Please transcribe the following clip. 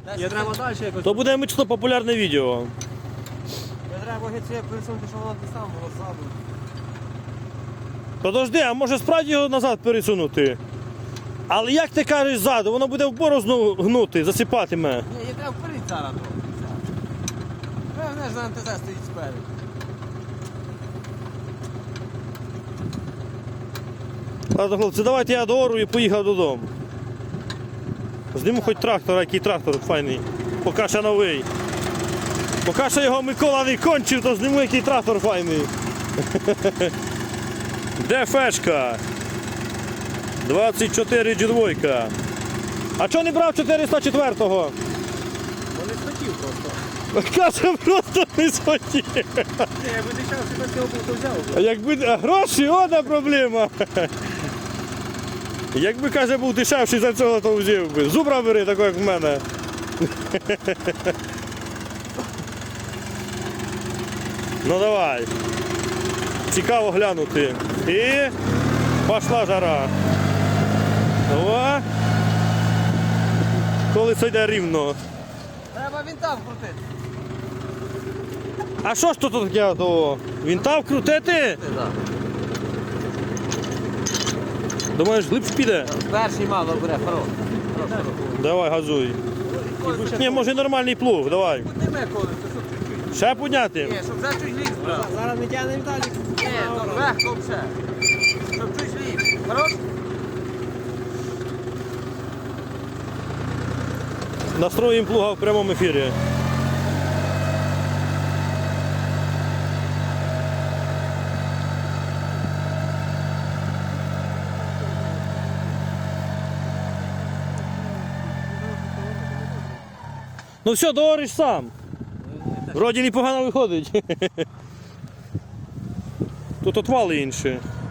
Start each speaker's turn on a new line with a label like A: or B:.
A: Я треба далі якось.
B: То буде мічно популярне відео.
A: Я треба геть пересунути, щоб воно те саме було ззаду.
B: Подожди, а може справді його назад пересунути? Але як ти кажеш ззаду, воно буде в борозну гнути, засипатиме.
A: Ні, я треба вперед зараз. Вона ж на МТЗ стоїть спереду.
B: Ладно, хлопці, давайте я доору і поїхав додому. Зніму хоч трактор, який трактор файний. Поки ще новий. Поки що його Микола не кончив, то зніму який трактор файний. Де фешка? 24 G2. А чого не брав 404-го?
A: Вони схотів просто.
B: Каже, просто не схотів.
A: Ні, я би дичав, що без цього був, то взяв.
B: А якби гроші, одна проблема. Якби, каже, був дешевший за цього, то взяв би. Зубра бери, такий, як в мене. Ну давай. Цікаво глянути. І пішла жара. О! Коли це йде рівно.
A: Треба вінта вкрутити.
B: А що ж тут таке того? Вінта вкрутити?
A: Так.
B: Думаєш, глибше піде?
A: Перший мало бере, хорош.
B: Давай, газуй. Ні, може нормальний плуг, давай.
A: Підніме коли, то що чуть-чуть.
B: Ще підняти?
A: Ні, щоб вже чуть ліг брав. Зараз не тягнемо далі. Ні, то легко все. Щоб чуть ліг. Хорош?
B: Настроїмо плуга в прямому ефірі. Ну все, доориш сам. Вроді непогано виходить. Тут отвали інші.